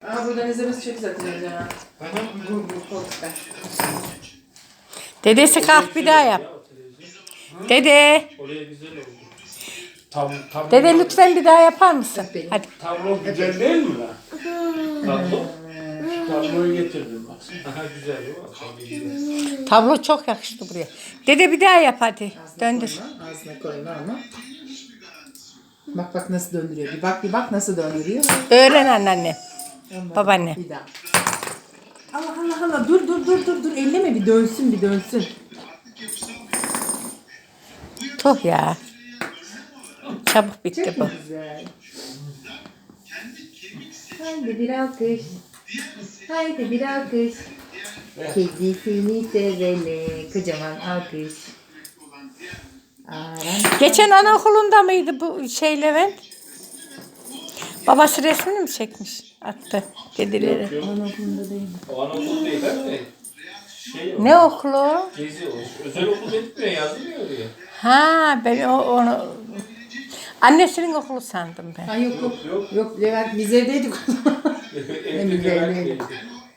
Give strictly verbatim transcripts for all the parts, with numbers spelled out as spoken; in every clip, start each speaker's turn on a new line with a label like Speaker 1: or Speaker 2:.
Speaker 1: Aa, buradan izlemesi çok güzel televizyon ha. Bu bu koltukta.
Speaker 2: Dedesi kalk bir daha yap. Dede.
Speaker 3: Oraya güzel oldu. Tam, tam
Speaker 2: Dede lütfen bir daha yapar mısın? Hadi.
Speaker 3: Tablo güzel değil mi lan? Tablo? Tabloyu getirdim bak. Aha güzel o. Tabii güzel.
Speaker 2: Tablo çok yakıştı buraya. Dede bir daha yap hadi.
Speaker 1: Ağzına
Speaker 2: Döndür.
Speaker 1: koyma, ağzına koyma ama. Bak bak nasıl döndürüyor. Bir bak bir bak nasıl döndürüyor.
Speaker 2: Öğren anneanne.
Speaker 1: Olmadı.
Speaker 2: Babaanne.
Speaker 1: Bir daha. Allah Allah Allah. Dur dur dur dur dur. Elleme bir dönsün bir dönsün.
Speaker 2: Tuh ya. Çabuk bitti bu.
Speaker 1: Güzel. Haydi bir alkış. Haydi bir alkış. Kedisini sevene kocaman alkış. Aran.
Speaker 2: Geçen anaokulunda mıydı bu şey Levent? Babası resmini mi çekmiş? Attı kedileri.
Speaker 1: Anaokulunda değil.
Speaker 3: O anaokul değil de şey o.
Speaker 2: Ne okulu o?
Speaker 3: Gezi o. Özel okul etmiyor yazmıyor oraya.
Speaker 2: Ha ben o, onu... Annesinin okulu sandım ben.
Speaker 1: Ha yok yok.
Speaker 3: Yok.
Speaker 1: Yok Levent biz evdeydik.
Speaker 3: Evde
Speaker 1: güzel,
Speaker 3: Levent
Speaker 1: ne?
Speaker 3: geldi.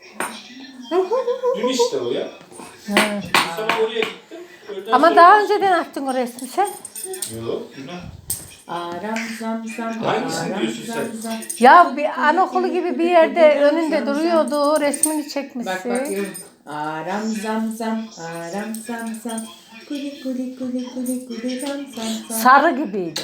Speaker 3: Dün işte o ya.
Speaker 2: Ha.
Speaker 3: Sonra oraya gittim. Öğleden
Speaker 2: Ama
Speaker 3: sonra-
Speaker 2: daha önceden attın o resmi sen.
Speaker 3: Yok günah.
Speaker 1: Aram zam zam.
Speaker 3: Hangisini
Speaker 1: aram
Speaker 3: diyorsun
Speaker 1: zam
Speaker 3: sen?
Speaker 1: zam.
Speaker 2: Ya bir anaokulu gibi bir yerde önünde duruyordu. Resmini
Speaker 1: Bak
Speaker 2: çekmişsin.
Speaker 1: bak yok. Aram zam zam. Aram zam zam. Kuli kuli kuli kuli kuli zam zam zam.
Speaker 2: Sarı gibiydi.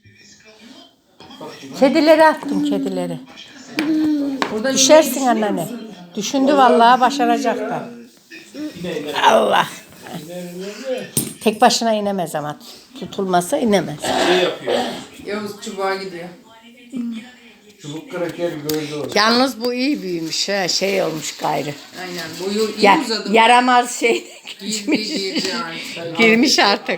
Speaker 2: Kedileri attım kedileri.
Speaker 1: Orada
Speaker 2: Düşersin anneanne. Düşündü vallahi başaracak da.
Speaker 3: Yine yine.
Speaker 2: Allah.
Speaker 3: Yine yine.
Speaker 2: Tek başına inemez ama. Tutulmasa inemez.
Speaker 3: Şey yapıyor.
Speaker 1: Yavuz çubuğa gidiyor.
Speaker 3: Çubuk kraker gördü orada.
Speaker 2: Yalnız bu iyi büyümüş ha. Şey olmuş gayrı.
Speaker 1: Aynen boyu iyi
Speaker 2: Ya,
Speaker 1: uzadı.
Speaker 2: yaramaz şey
Speaker 1: Girdi girdi yani.
Speaker 2: girmiş artık.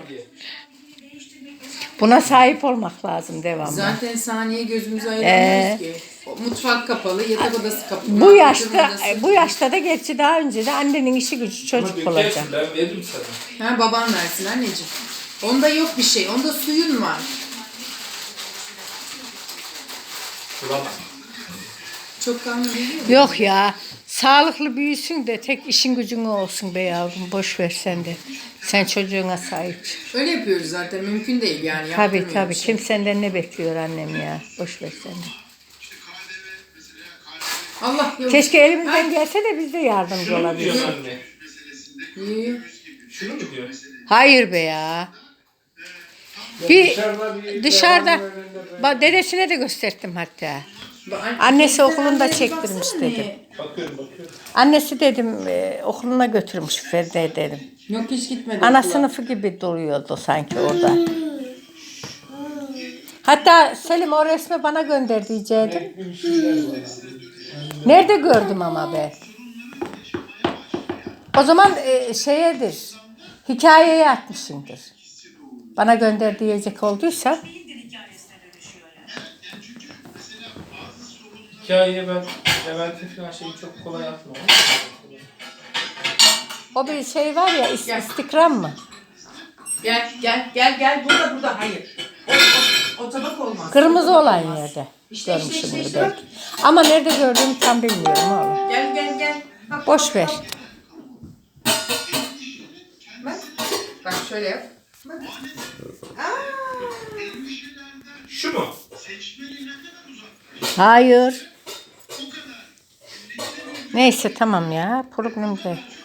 Speaker 2: Buna sahip olmak lazım devamlı.
Speaker 1: Zaten saniye gözümüzü
Speaker 2: Ee,
Speaker 1: ayıramıyoruz ki. O mutfak kapalı, yatak odası kapalı.
Speaker 2: Bu
Speaker 1: oturma
Speaker 2: yaşta
Speaker 1: odası-
Speaker 2: bu yaşta da gerçi daha önce de annenin işi gücü çocuk olacak.
Speaker 3: Dökersin, ben veririm sana.
Speaker 1: Ha baban versin anneciğim. Onda yok bir şey. Onda suyun var.
Speaker 3: Bulamam.
Speaker 1: Çok kanlı değil mi?
Speaker 2: Yok ya. Sağlıklı büyüsün de tek işin gücün olsun be yavrum. Boş ver sen de. Sen çocuğuna sahip çık.
Speaker 1: Öyle yapıyoruz zaten. Mümkün değil yani.
Speaker 2: Tabii
Speaker 1: Yaptırmıyoruz
Speaker 2: tabii.
Speaker 1: şey.
Speaker 2: Kim senden ne bekliyor annem ya. Boş ver sen de.
Speaker 1: Allah yok.
Speaker 2: Keşke elimizden gelse de biz de yardımcı
Speaker 3: Şunu mu
Speaker 2: olabiliriz.
Speaker 3: diyorsun anne?
Speaker 1: Yiyor.
Speaker 3: Şunu mu diyor?
Speaker 2: Hayır be ya. Bir
Speaker 3: Dışarıda bir
Speaker 2: dışarıda
Speaker 3: devamlı önünde
Speaker 2: bak dedesine de gösterdim hatta.
Speaker 1: Ba- anne-
Speaker 2: Annesi
Speaker 1: sen
Speaker 2: okulunda
Speaker 1: anneye
Speaker 2: çektirmiş
Speaker 1: baksana
Speaker 2: dedi.
Speaker 1: neye?
Speaker 3: Bakıyorum bakıyorum.
Speaker 2: Annesi dedim e, okuluna götürmüş Feride dedim.
Speaker 1: Yok hiç gitmedi.
Speaker 2: Ana
Speaker 1: okula.
Speaker 2: sınıfı gibi duruyordu sanki orada. Hatta Selim o resmi bana gönder diyecektim.
Speaker 3: Bir şeyler var.
Speaker 2: Nerede gördüm ama be. O zaman e, şeyedir. Hikayeye atmışındır. Bana gönder diyecek olduysa.
Speaker 3: Hikayeye ben Levent'in falan şeyi çok kolay atmam.
Speaker 2: O bir şey var ya is- istikram mı?
Speaker 1: Gel gel gel gel burada burada hayır. O, o, o tabak olmaz.
Speaker 2: Kırmızı
Speaker 1: O tabak
Speaker 2: olan
Speaker 1: olmaz.
Speaker 2: yerde.
Speaker 1: İşte, işte, işte,
Speaker 2: Görmüşümdür
Speaker 1: işte.
Speaker 2: belki. Ama nerede gördüğümü tam bilmiyorum oğlum.
Speaker 1: Gel gel gel. Bak,
Speaker 2: Boş
Speaker 1: bak,
Speaker 2: ver.
Speaker 1: bak. Bak. Bak şöyle yap. Bak.
Speaker 3: Şu mu?
Speaker 2: Hayır. Neyse tamam ya. Problem değil.